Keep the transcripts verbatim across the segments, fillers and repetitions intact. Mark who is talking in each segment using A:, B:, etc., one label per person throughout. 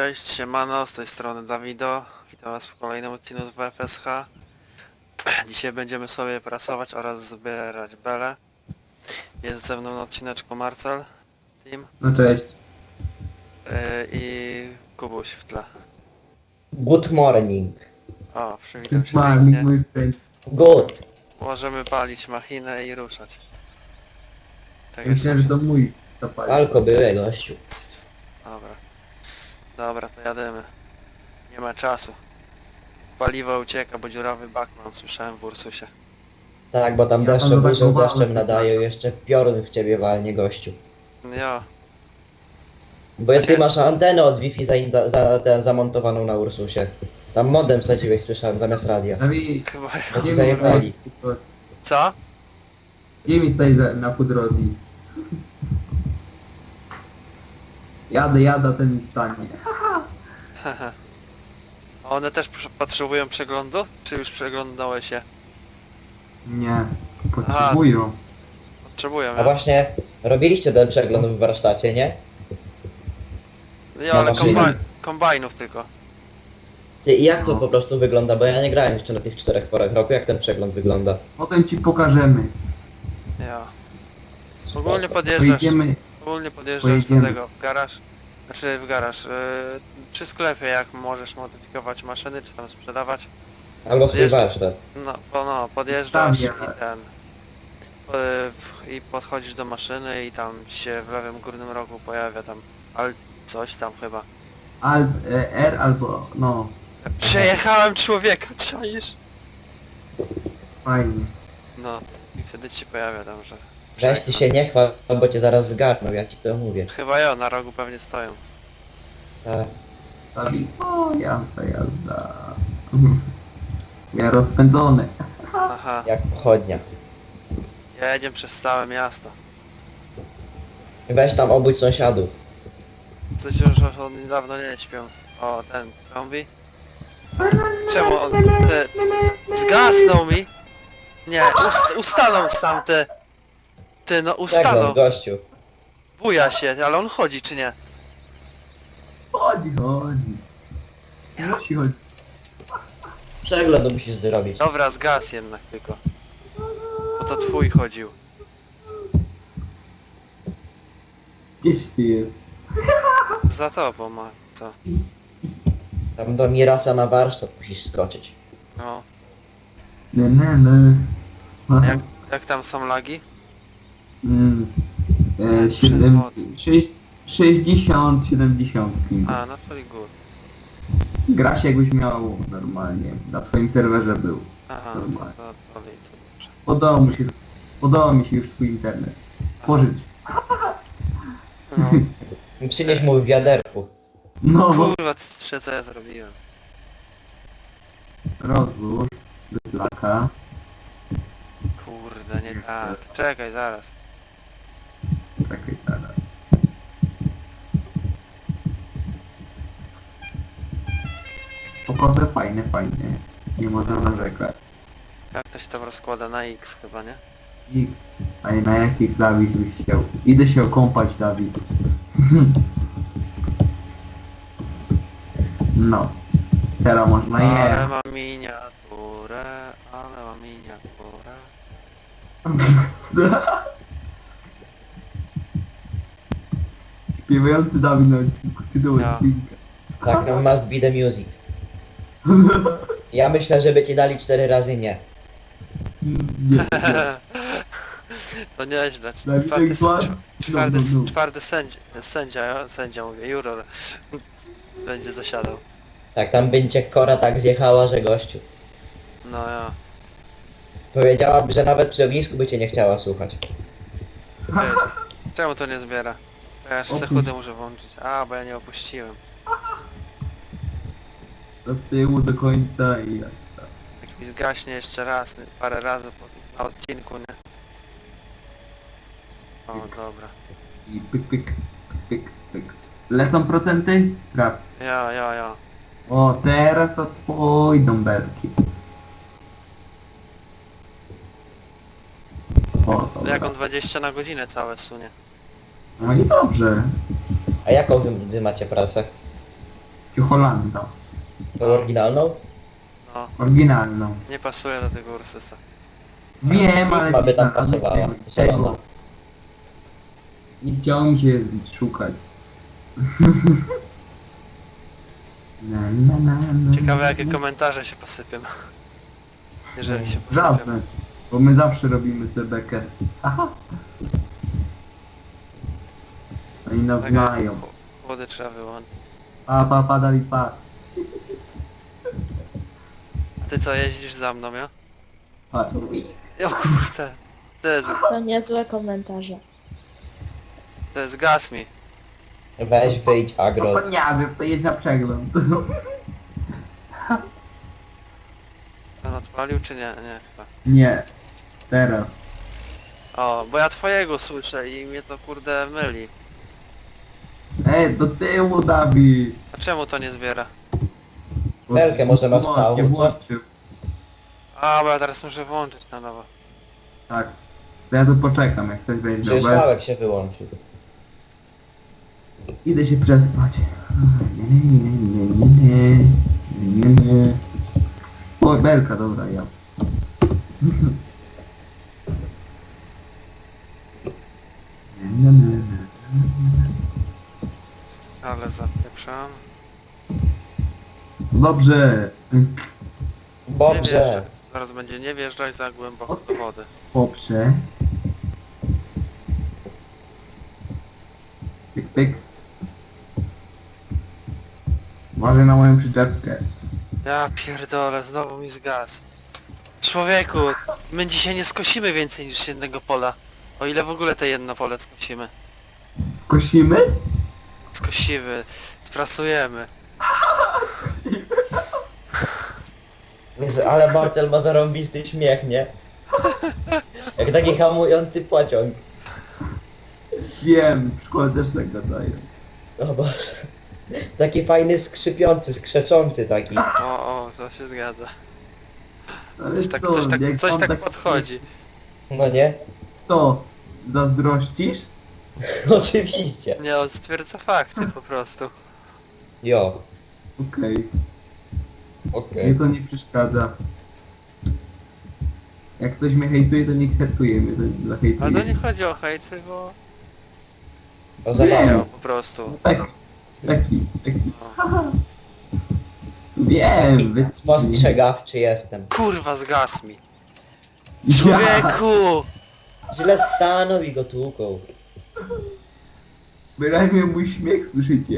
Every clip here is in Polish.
A: Cześć, siemano, z tej strony Dawido. Witam was w kolejnym odcinku z W F S H. Dzisiaj będziemy sobie prasować oraz zbierać bele. Jest ze mną na odcineczku Marcel, Team
B: No cześć.
A: yy, i Kubuś w tle.
C: Good morning.
A: O, przywitam się
B: Marnik,
A: pięknie.
B: mój friend.
C: Good.
A: Możemy palić machinę i ruszać. Tak jest.
B: Myślałem, że to mój zapalił.
C: Alko były, gościu.
A: Dobra. Dobra, to jademy. Nie ma czasu. Paliwo ucieka, bo dziurawy bak mam, słyszałem w Ursusie.
C: Tak, bo tam
B: Ja
C: deszcze
B: tam
C: burze z
B: zablokowałem.
C: deszczem nadają, jeszcze piorun w ciebie walnie, gościu.
A: Jo,
C: Bo ty masz antenę od Wi-Fi za, za, za, zamontowaną na Ursusie. Tam modem wsadziłeś, słyszałem, zamiast radia.
B: Dawid,
A: chyba...
C: Bo ci
B: mi
C: zajebali.
B: tutaj,
A: Co?
B: gdzie mi tutaj za- na pudrowi. Jadę, jadę, ten mi stanie.
A: A one też przy- potrzebują przeglądu? Czy już przeglądałeś się?
B: Nie, potrzebują.
A: Potrzebują,
C: A
A: ja?
C: właśnie, robiliście ten przegląd w warsztacie, nie?
A: Nie,
C: na
A: ale
C: maszynie.
A: kombaj kombajnów tylko.
C: Ty, i jak to
B: No.
C: po prostu wygląda? Bo ja nie grałem jeszcze na tych czterech porach roku, jak ten przegląd wygląda.
B: Potem ci pokażemy.
A: Ja. Ogólnie podjeżdżasz,
B: Pojedziemy.
A: ogólnie podjeżdżasz do
B: pojedziemy.
A: tego, w garaż, znaczy w garaż, yy, przy sklepie jak możesz modyfikować maszyny, czy tam sprzedawać.
C: Albo swój
A: Jest-
C: warsztat.
A: No, po, no podjeżdżasz i
B: Stawia.
A: ten, yy, w, i podchodzisz do maszyny i tam ci się w lewym górnym rogu pojawia tam alt coś tam chyba.
B: Alt, e, R albo, no,
A: Przejechałem człowieka, czaisz?
B: fajnie.
A: No, i wtedy ci się pojawia tam, że...
C: Weź ty się nie chwal, bo cię zaraz zgarną, ja ci to mówię.
A: Chyba ja, na rogu pewnie stoją.
C: Tak.
B: Dawid, o jazda, jazda. Ja rozpędzony.
A: Aha,
C: Jak pochodnia.
A: jedziemy przez całe miasto.
C: Weź tam obudź sąsiadów.
A: Coś już od niedawno nie śpią. O, ten kombi. Czemu on... Te... Zgasnął mi! Nie, ust, ustanął sam te... Ty, no ustanął.
C: Przegląd, gościu.
A: Buja się, ale on chodzi czy nie?
B: Chodzi, chodzi. Musi chodzi.
C: Przegląd musisz zrobić.
A: Dobra, zgas jednak tylko. Bo to twój chodził.
B: Gdzieś ty jest.
A: Za tobą ma, co?
C: Tam do Mirasa na warsztat musisz skoczyć.
A: No.
B: Nie, nie, nie.
A: A jak, jak tam są lagi?
B: Mm. E,
A: Przez
B: siedem,
A: wodę.
B: sześć, sześćdziesiąt, siedemdziesiąt.
A: A, no to i good.
B: Gra się jakbyś miał normalnie. Na swoim serwerze był.
A: Aha, no to, to, to, to, to dobrze.
B: Podobał mi się, podobał mi się już twój internet. Pożyć.
A: No.
C: Przynieś mu w wiaderku.
B: No,
A: Kurwa, co co ja zrobiłem?
B: rozłóż. Wytlaka.
A: Kurde, nie tak. Czekaj, zaraz.
B: Czekaj teraz. Pokoże fajne, fajnie. Nie można narzekać.
A: Jak to się tam rozkłada na X chyba, nie?
B: X. A na jakich Dawid byś chciał? Idę się okąpać, Dawid. No. Teraz można
A: Ale
B: je.
A: ma miniaturę, ale ma miniaturę.
B: Śpiewający Dawid na odcinku. Tytuł
A: Ja.
B: odcinka.
C: Tak, no must be the music. Ja myślę, żeby ci dali cztery razy nie.
B: Nie, nie.
A: To nieźle.
B: Dawid
A: Czwarty,
B: Egzła?
A: czw- czwarty,
B: No, no, no.
A: czwarty sędzia, sędzia, sędzia mówię, juror będzie zasiadał.
C: Tak, tam będzie kora tak zjechała, że gościu.
A: No ja.
C: Powiedziałaby, że nawet przy ognisku by cię nie chciała słuchać.
A: Ty, czemu to nie zbiera? Ja jeszcze se
B: Opuść.
A: chudy muszę włączyć. A, bo ja nie opuściłem.
B: Do tyłu do końca i jak tak.
A: Jak mi zgaśnie jeszcze raz, parę razy po, na odcinku, nie? O, dobra.
B: I pyk, pyk, pyk, pyk. Lecą procenty? Sprawdź.
A: Ja, ja, ja.
B: O, teraz to pójdą belki. O, dobra.
A: Jak on dwadzieścia na godzinę całe sunie.
B: No i dobrze.
C: A jaką wy, wy macie pracę?
B: Czy Holanda?
C: Tą oryginalną?
A: No,
B: Oryginalną.
A: nie pasuje do tego Ursusa.
B: Wiem, ale...
C: Sigma by tam
B: ale
C: pasowała,
B: tego-
C: zielona.
B: Nie chciało mi się szukać. Na, na, na, na,
A: Ciekawe jakie
B: na.
A: komentarze się posypią. Jeżeli się posypią.
B: Zawsze. Bo my zawsze robimy sobie bekę. Aha. Oni nas
A: Tak,
B: znają.
A: ch- Chłody trzeba wyłączyć.
B: Pa, pa, pa, dali pa.
A: A ty co, jeździsz za mną, ja?
B: Pa.
A: O kurde. To jest,
D: To niezłe komentarze.
A: to jest gaz mi.
C: Weź wyjdź agro.
B: No to nie wiem, to jedź na przegląd.
A: Co on odpalił czy nie? Nie chyba.
B: Nie. Teraz.
A: O, bo ja twojego słyszę i mnie to kurde myli.
B: Ej, do tyłu, Dawid.
A: A czemu to nie zbiera?
C: Belkę może masz
B: Włącz,
C: całą,
B: nie
C: co?
B: włączył.
A: A, bo ja teraz muszę włączyć na nowo.
B: Tak. To ja tu poczekam, jak ktoś będzie
C: Przecież
B: miał bez-
C: wałek się wyłączył.
B: Idę się przespać. Nie, nie, nie, nie, nie, nie, nie. O, belka, dobra, ja. Nie, nie, nie, nie.
A: Ale zapieprzam.
B: Dobrze.
A: Nie
C: Dobrze.
A: wjeżdżaj. Zaraz będzie nie wjeżdżaj za głęboko do wody.
B: Poprze. Pyk, pyk. Uważaj na moją przyczepkę.
A: Ja pierdolę, znowu mi zgasł. Człowieku, my dzisiaj nie skosimy więcej niż jednego pola. O ile w ogóle te jedno pole skosimy.
B: Skosimy?
A: Skosimy, sprasujemy.
C: Jezu, ale Bartel ma zarąbisty śmiech, nie? Jak taki hamujący pociąg.
B: Wiem, w szkole też tak gadają.
C: O Boże. Taki fajny skrzypiący, skrzeczący taki.
A: O, o, to się zgadza.
B: Ale
A: Coś tak,
B: co,
A: coś tak,
B: jak
A: coś
B: on
A: tak podchodzi.
C: No nie?
B: Co? Zazdrościsz?
C: Oczywiście.
A: Nie, on stwierdza fakty po prostu.
C: Jo.
B: Okej.
C: Okej.
B: Mnie to nie przeszkadza. Jak ktoś mnie hejtuje, to niech hejtuje mnie, to zahejtuje.
A: Ale to nie chodzi o hejt, tylko
C: O
B: Nie.
C: zabawę.
A: wiedział po prostu.
B: Tak, taki, taki.
A: No.
B: Haha. Wiem, wy...
C: Spostrzegawczy jestem.
A: Kurwa, zgasł mi.
B: Ja.
A: Człowieku!
C: Źle stanął i go tłuką.
B: Wyraźnie mój śmiech słyszycie.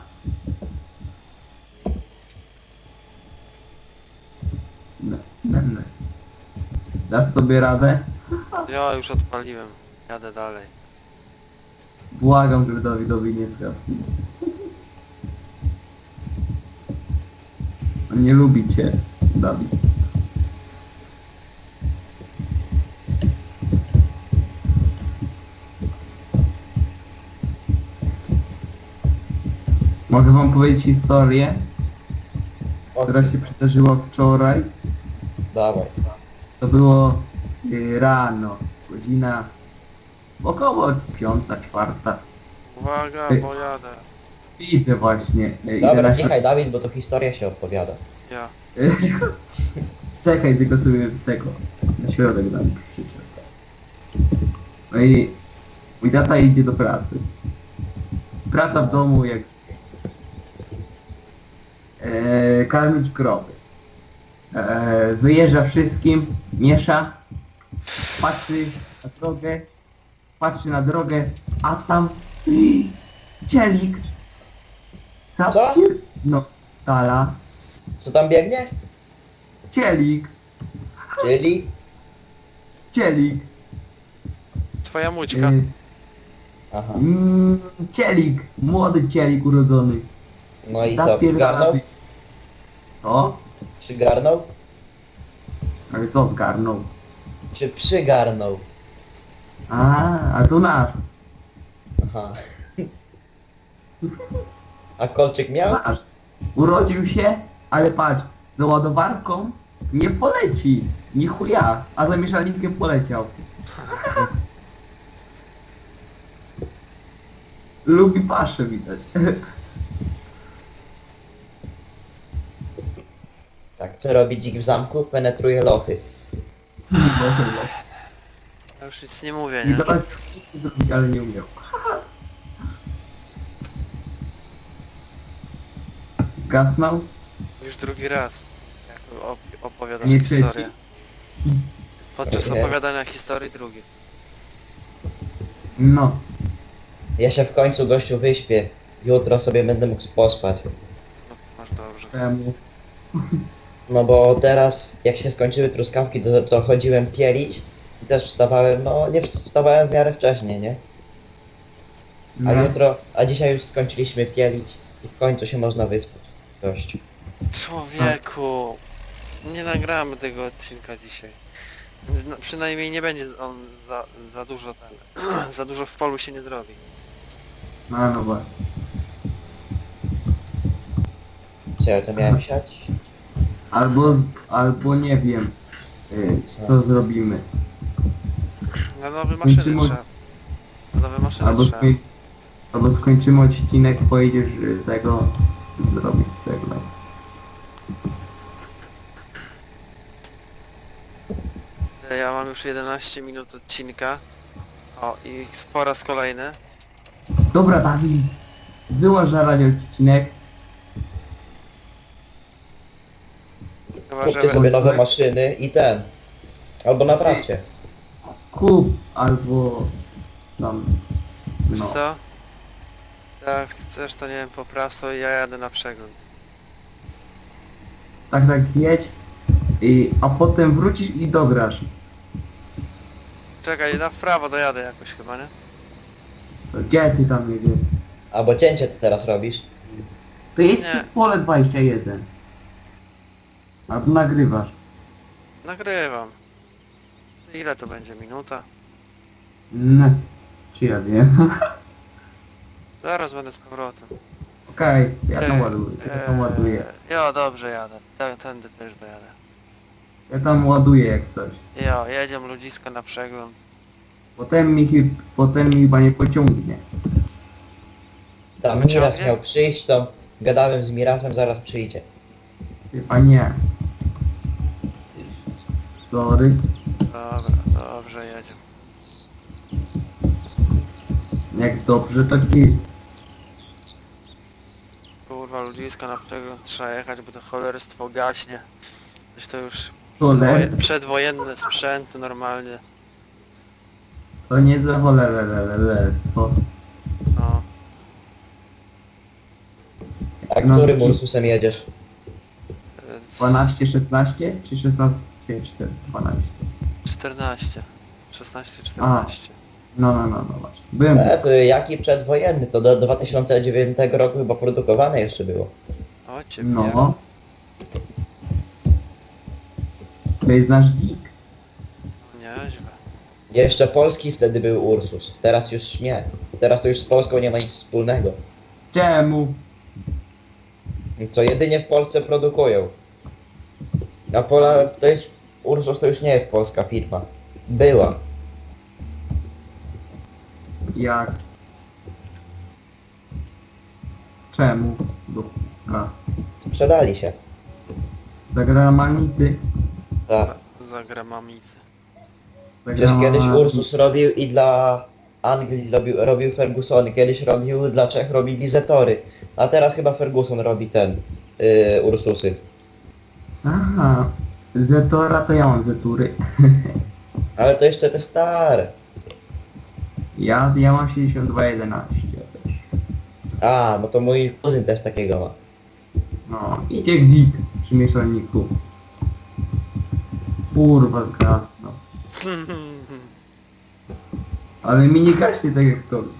B: No, no, no. Dasz sobie radę?
A: Ja już odpaliłem. Jadę dalej.
B: Błagam, żeby Dawidowi nie zgasł. On nie lubi cię, Dawid. Mogę wam powiedzieć historię,
C: O,
B: która się przydarzyła wczoraj.
C: dawaj.
B: To było y, rano, godzina około piąta, czwarta.
A: Uwaga,
B: Ej.
A: bo jadę.
B: Idę właśnie. y, idę
C: Dobra,
B: na
C: cichaj Dawid, bo to historia się opowiada.
A: Ja.
B: Czekaj, tylko sobie tego na środek dam przyczep. No i mój tata idzie do pracy. Praca w domu jak e, karmić krowy. E, wyjeżdża wszystkim, miesza, patrzy na drogę, patrzy na drogę, a tam y, cielik.
C: Co?
B: No, tala.
C: Co tam biegnie?
B: Cielik,
C: Czyli?
B: cielik.
A: Twoja mućka.
B: Y,
C: Aha.
B: Mm, cielik, młody cielik urodzony.
C: No i co,
B: Zapierdala
C: przygarnął?
B: wy- O?
C: Przygarnął?
B: Ale co zgarnął?
C: Czy przygarnął?
B: A, a to nasz.
C: Aha. A kolczyk miał?
B: Nasz. Urodził się, ale patrz, za ładowarką nie poleci. Nie chuja, a za mieszalnikiem poleciał. Lubi paszę widać.
C: co robi dzik w zamku? Penetruje lochy.
A: Ja już nic nie mówię,
B: I
A: nie?
B: zobacz, co zrobić, ale nie umiał. Gasnął?
A: Już drugi raz. Jak op opowiadasz
B: Nie
A: historię.
B: trzeci?
A: Podczas
C: Nie.
A: opowiadania historii drugi.
B: No.
C: Ja się w końcu, gościu, wyśpię. Jutro sobie będę mógł pospać.
A: No to masz dobrze.
B: Temu.
C: No bo teraz, jak się skończyły truskawki, to, to chodziłem pielić. I też wstawałem, no nie wstawałem w miarę wcześnie, nie? A
B: No.
C: jutro, a dzisiaj już skończyliśmy pielić i w końcu się można wyspać. Gościu.
A: Człowieku! Nie nagramy tego odcinka dzisiaj. No, przynajmniej nie będzie on za, za dużo ten, za dużo w polu się nie zrobi.
B: No, no właśnie.
C: Co ja to miałem siać?
B: Albo, albo nie wiem, y, co zrobimy.
A: Na nowe maszyny
B: Kończymy-
A: trzeba. Na nowe maszyny
B: Albo,
A: trzeba.
B: skoń, albo skończymy odcinek, pojedziesz y, tego zrobić tego.
A: Ja mam już jedenaście minut odcinka. O, i po raz kolejny.
B: Dobra, Dawid, wyłącz na radio odcinek.
A: Chyba,
C: Kupcie
A: że...
C: sobie nowe maszyny i ten. Albo naprawcie.
B: Kup albo tam,
A: Wiesz
B: no.
A: co? Jak chcesz, to nie wiem, po praso i ja jadę na przegląd.
B: Tak, tak jedź, i, a potem wrócisz i dograsz.
A: Czekaj, na w prawo dojadę jakoś chyba, nie?
B: To gdzie ty tam jedziesz?
C: Albo cięcie ty teraz robisz.
B: To jedź
A: Nie.
B: przez pole dwadzieścia jeden. Albo nagrywasz.
A: Nagrywam. Ile to będzie? Minuta?
B: No, czy ja wiem.
A: Zaraz będę z powrotem.
B: Okej, ja tam
A: Ej,
B: ładuję, ja tam ładuję.
A: Eee, Jo, dobrze jadę. Tę- Tędy też dojadę.
B: Ja tam ładuję jak coś.
A: Jo, jedziemy ludziska na przegląd.
B: Potem mi, chy- potem mi chyba nie pociągnie.
C: Tam
A: Wyciągnie?
C: Miras miał przyjść, to gadałem z Mirasem, zaraz przyjdzie.
B: Chyba nie. Sorry.
A: Dobra, dobrze jedziemy.
B: Jak dobrze, to git.
A: Kurwa, ludziska na przegląd trzeba jechać, bo to cholerstwo gaśnie. Coś to już
B: Choler,
A: woje- przedwojenne sprzęty normalnie.
B: to nie za cholerstwo.
A: No.
C: A
B: No.
C: którym Ursusem jedziesz?
A: Eee,
B: dwanaście, szesnaście czy szesnaście, cztery, dwanaście?
A: czternaście. szesnaście, czternaście.
B: No, no, no, no właśnie. Byłem.
C: E, to jaki przedwojenny? To do dwa tysiące dziewiątego roku chyba produkowane jeszcze było.
A: O ciebie.
B: No. To jest nasz dzik.
A: Nieźle.
C: Jeszcze polski wtedy był Ursus. Teraz już nie. Teraz to już z Polską nie ma nic wspólnego.
B: Czemu?
C: Co jedynie w Polsce produkują. A Pola to jest... Ursus to już nie jest polska firma. Była.
B: Jak? Czemu? Dupka.
C: Sprzedali się.
B: Zagramanicy.
C: Tak.
A: Za gramamicy.
C: Przecież kiedyś Ursus robił i dla Anglii robił, robił Fergusony, kiedyś robił dla Czech robili Zetory, a teraz chyba Ferguson robi ten, yy, Ursusy.
B: Aha. Zetora to ja mam Zetury.
C: Ale to jeszcze te stare.
B: Ja, ja mam siedemdziesiąt dwa jedenaście też.
C: A, no to mój kuzyn też takiego ma.
B: No, idzie dzik przy mieszalniku. Kurwa zgasno. Ale mi nie gaśnie tak jak to.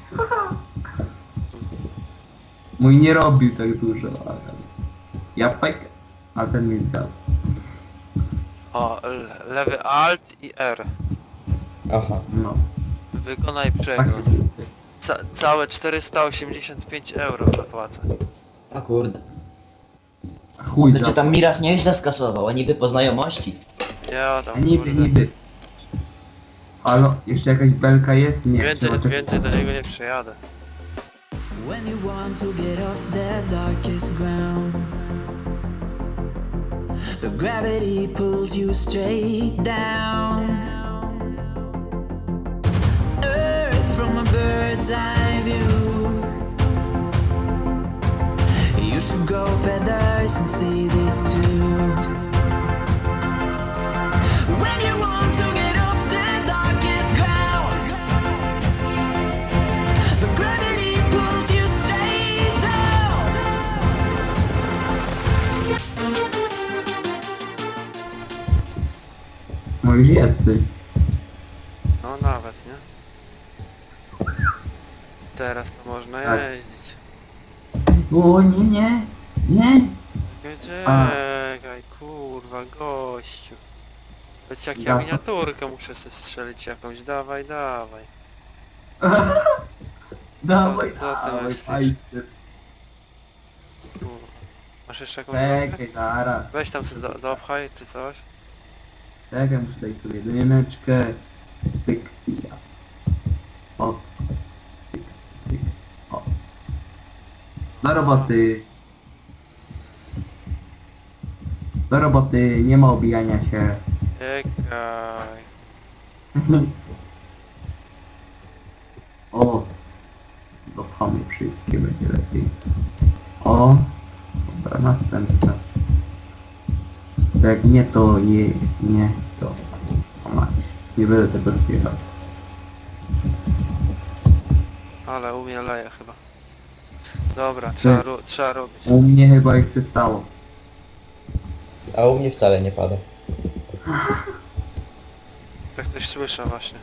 B: Mój nie robił tak dużo, ale... Ja pek, a ten mi zgasł.
A: O, le- lewy Alt i R.
C: Aha.
B: No.
A: Wykonaj
B: Tak.
A: przegląd. Ca całe czterysta osiemdziesiąt pięć euro zapłacę.
C: A kurde.
B: Chuj
C: To cię
B: za-
C: tam Miras nieźle skasował, a niby po znajomości.
A: Ja
B: A
A: tam
B: niby,
A: kurde.
B: niby. Halo, jeszcze jakaś belka jest? Nie.
A: Więcej,
B: chyba tak-
A: więcej do niego nie przyjadę.
E: When you want to get off that darkest ground, but gravity pulls you straight down. Earth from a bird's eye view. You should grow feathers and see this too. When you want to get off the darkest ground, but gravity pulls you straight down.
B: No już jesteś.
A: No nawet, nie? Teraz to można
B: Tak.
A: jeździć.
B: O nie, nie, nie.
A: Czekaj, kurwa, gościu. Choć jak ja
B: Ja-
A: miniaturkę muszę sobie strzelić jakąś, dawaj, dawaj.
B: Dawaj,
A: co ty
B: dawaj,
A: myślisz?
B: fajnie.
A: Kurwa. Masz jeszcze jakąś drogę?
B: Czekaj, zaraz.
A: Weź tam sobie do, dopchaj, czy coś.
B: Czekaj, muszę dać sobie jedyneczkę. Tyk i ja. O. Tyk, tyk, o. Do roboty. Do roboty, nie ma obijania się.
A: Czekaj.
B: O. Dopchamy wszystkie, będzie lepiej. O. Dobra, następna. Jak nie to je, nie to. O mać. Nie będę tego zbierał.
A: Ale u mnie leje chyba. Dobra, trzeba, ro trzeba robić.
B: U mnie chyba ich przestało.
C: A u mnie wcale nie pada.
A: Tak ktoś słyszę właśnie.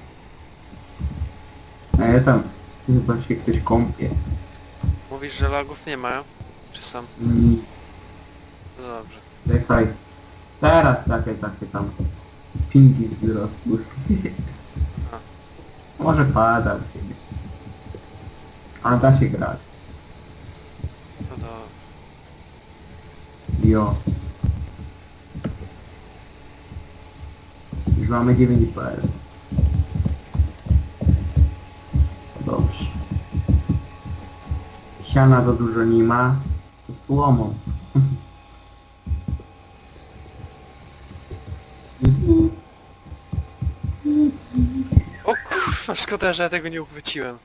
B: A ja tam chyba się ktoś kąpie.
A: Mówisz, że lagów nie mają? Czy są?
B: Mm,
A: To dobrze.
B: czekaj. Teraz takie, takie tam pingi wzrosły. Może pada u ciebie. A da się grać.
A: To do...
B: Jo. Już mamy dziewięć P L. Dobrze. Siana za dużo nie ma. To słomą.
A: O kurwa, szkoda, że ja tego nie uchwyciłem.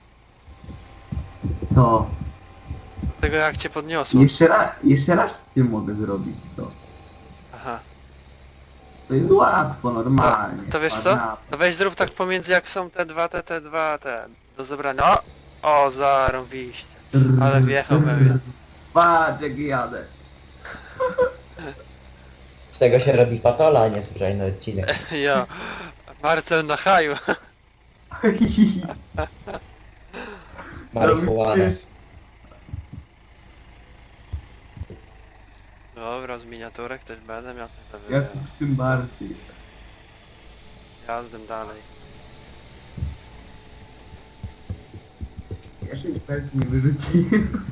B: To.
A: Tego jak cię podniosło.
B: Jeszcze raz, jeszcze raz ty mogę zrobić to.
A: Aha.
B: To jest łatwo,
A: To,
B: normalnie.
A: to wiesz co?
B: Ładna.
A: To weź zrób tak pomiędzy jak są te dwa, te, te dwa, te do zebrania. O! O, zarąbiście. Ale wjechał we mnie.
B: Patrz jak jadę.
C: Z tego się robi patola, a nie zbrojny odcinek.
A: Ja. Marcel na haju.
C: Marihuana.
A: Dobra, z miniaturek też będę miał te
B: Jak
A: wywiady.
B: tym bardziej.
A: Jazdem dalej.
B: Ja się pewnie wyrzuciłem.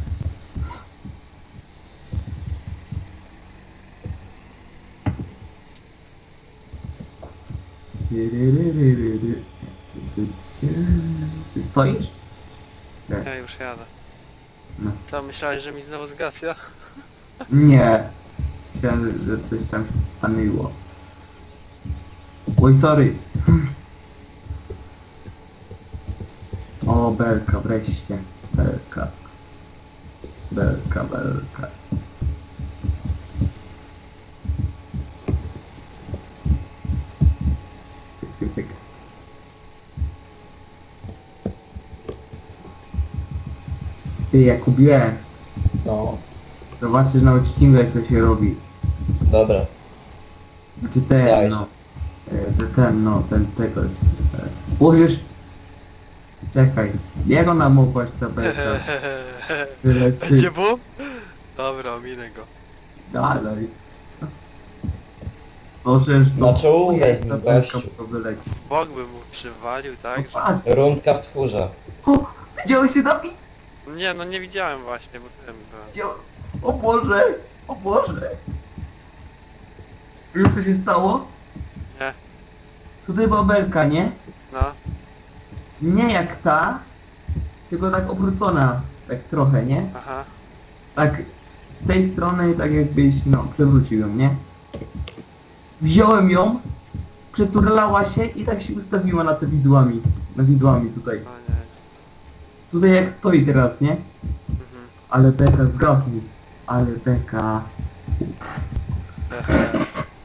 B: Ty stoisz? Nie.
A: Ja już jadę.
B: No.
A: Co, myślałeś, że mi znowu zgasł, ja?
B: Nie. Myślałem, że coś tam się stanęło. Oj, sorry. O, belka, wreszcie. Belka. Belka, belka. Tyk, tyk, tyk. Ty, Jakubie,
C: No,
B: zobaczysz na odcinku jak to się robi.
C: dobra.
B: Czy ten,
C: Zaś.
B: no. E, Że ten, no, ten, tego jest. e, Użysz... Czekaj, jak ona mogła się zapytać? Tyle, ty,
A: Będzie bum? Dobra, ominę go.
B: dalej. No, przecież to...
C: Na czołówę z nim,
B: ta belka
C: gościu.
B: to wyleci.
A: W bok bym mu przywalił,
B: No
A: tak? Że...
B: patrz,
C: Rundka w twórze.
B: o, widziałeś się Dawid?
A: Nie, no nie widziałem właśnie, bo tym byłem.
B: Widział... O Boże, o Boże. Wiesz co się stało?
A: Nie.
B: Tutaj była belka, nie?
A: No.
B: Nie jak ta, tylko tak obrócona, tak trochę, nie?
A: Aha.
B: Tak z tej strony, tak jakbyś, no, przewrócił ją, nie? Wziąłem ją, przeturlała się i tak się ustawiła na te widłami. Na widłami tutaj.
A: No nie.
B: Tutaj jak stoi teraz, nie?
A: Mhm.
B: Ale beka zgadnij. Ale beka.
A: Ehe.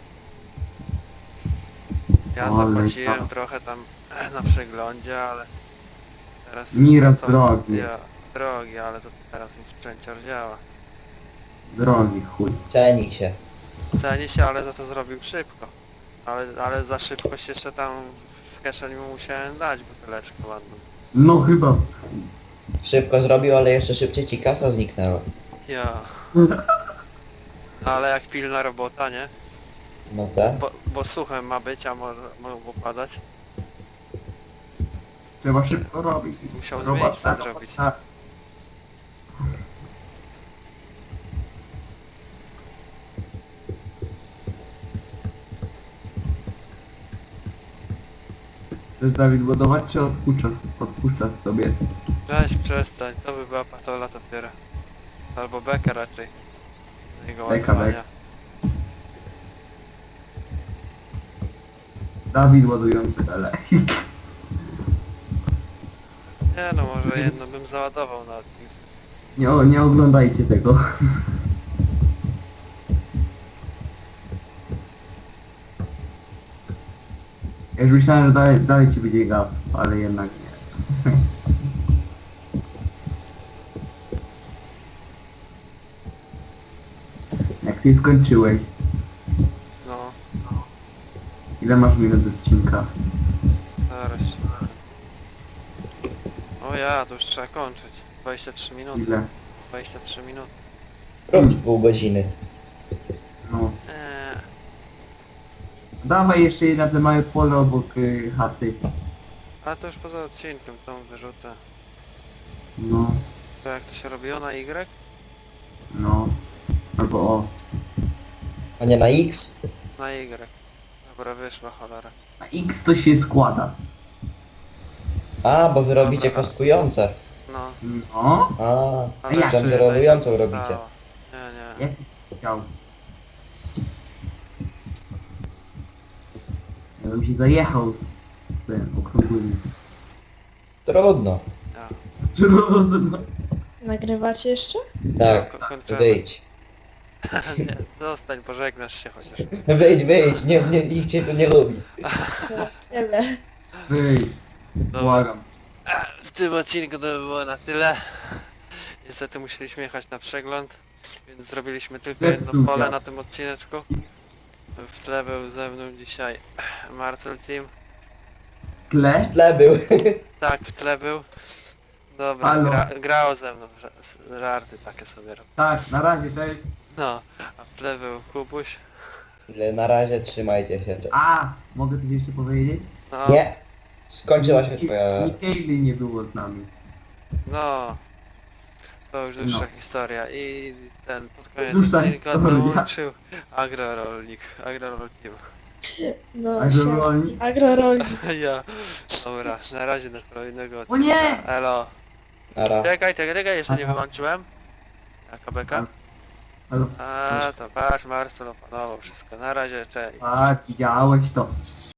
A: Ja
B: Ale
A: zapłaciłem
B: tak.
A: trochę tam na przeglądzie, ale teraz...
B: Miras
A: co-
B: drogi.
A: Ja, drogi, ale to teraz mi sprzęcior działa.
B: Drogi chuj.
C: Ceni się.
A: Ceni się, ale za to zrobił szybko. Ale, ale za szybkość jeszcze tam w kieszeni mu musiałem dać buteleczkę ładną.
B: No chyba.
C: Szybko zrobił, ale jeszcze szybciej ci kasa zniknęła.
A: Ja. Ale jak pilna robota, nie?
C: No tak.
A: Bo, bo suchem ma być, a może mogło padać.
B: Trzeba szybko robić.
A: Musiał z
B: Robota,
A: miejsca
B: robota.
A: zrobić.
B: Chcesz Dawid ładować czy odpuszczasz, odpuszczasz sobie?
A: Weź przestań, to by była patola dopiero. Albo beka raczej. Jego
B: Beka,
A: ładowania.
B: Dawid ładujący elek.
A: Nie no, może jedno bym załadował na odcinku.
B: Nie, o- nie oglądajcie tego. Ja już myślałem, że dalej, dalej ci będzie gaz, ale jednak nie. Jak ty skończyłeś,
A: No,
B: ile masz minut odcinka?
A: zaraz ci powiem. O ja, to już trzeba kończyć. dwadzieścia trzy minuty.
B: Ile?
A: dwadzieścia trzy minuty.
C: Robi pół godziny.
B: No.
A: Eee,
B: Dawaj jeszcze na te małe pole obok y, chaty.
A: a to już poza odcinkiem, tą wyrzucę.
B: No,
A: To jak to się robiło na Y?
B: no. Albo o.
C: A nie na X?
A: Na Y. Dobra, wyszła cholera.
B: A X to się składa.
C: A, bo wy robicie kostkujące.
A: No.
B: No.
C: A,
A: Ale
B: jak?
A: jeszcze
C: tam
A: jedna
C: rolującą
A: jedna
C: robicie.
A: została. Nie, nie.
B: Jak chciał. Ja bym się zajechał z tym okrągłymi.
C: Trudno.
A: Ja.
B: Trudno.
D: Nagrywacie jeszcze?
C: Tak,
A: Ko- kończymy.
C: wyjdź.
A: Nie, zostań, pożegnasz się chociaż.
C: Wyjdź, wyjdź, nie, nie, nikt cię tu nie lubi.
D: Tyle.
B: Wyjdź.
A: Dobra.
B: Błagam.
A: W tym odcinku to by było na tyle. Niestety musieliśmy jechać na przegląd, więc zrobiliśmy tylko jedno
B: Zepsuł
A: pole
B: się.
A: na tym odcineczku. W tle był ze mną dzisiaj Marcel Team.
B: Tle?
C: Tle był.
A: Tak, w tle był. Dobra,
B: Halo.
A: gra, grało ze mną, ża- żarty takie sobie robię.
B: Tak, na razie, cześć.
A: No, a w tle był Kubuś.
C: Na razie trzymajcie się.
B: A, mogę coś jeszcze powiedzieć?
A: No,
C: Nie. Skończyła się twoja...
B: Nikejli nie było z nami.
A: no. To już dłuższa
B: No.
A: historia i ten pod koniec
B: Dłuższa
A: odcinka
B: historia.
A: dołączył agrorolnik, agrorol Team.
D: No,
B: A
D: się...
B: rolnik?
D: Agrorolnik.
A: Ja. Dobra, na razie do kolejnego
B: O
A: odcinka.
B: nie!
A: Elo.
C: Nara.
A: Czekaj, czekaj, czekaj, jeszcze nie
B: Aha.
A: wyłączyłem. Jaka beka?
B: Halo.
A: A, to patrz, Marcel opanował wszystko. Na razie, cześć.
B: Tak, widziałeś to.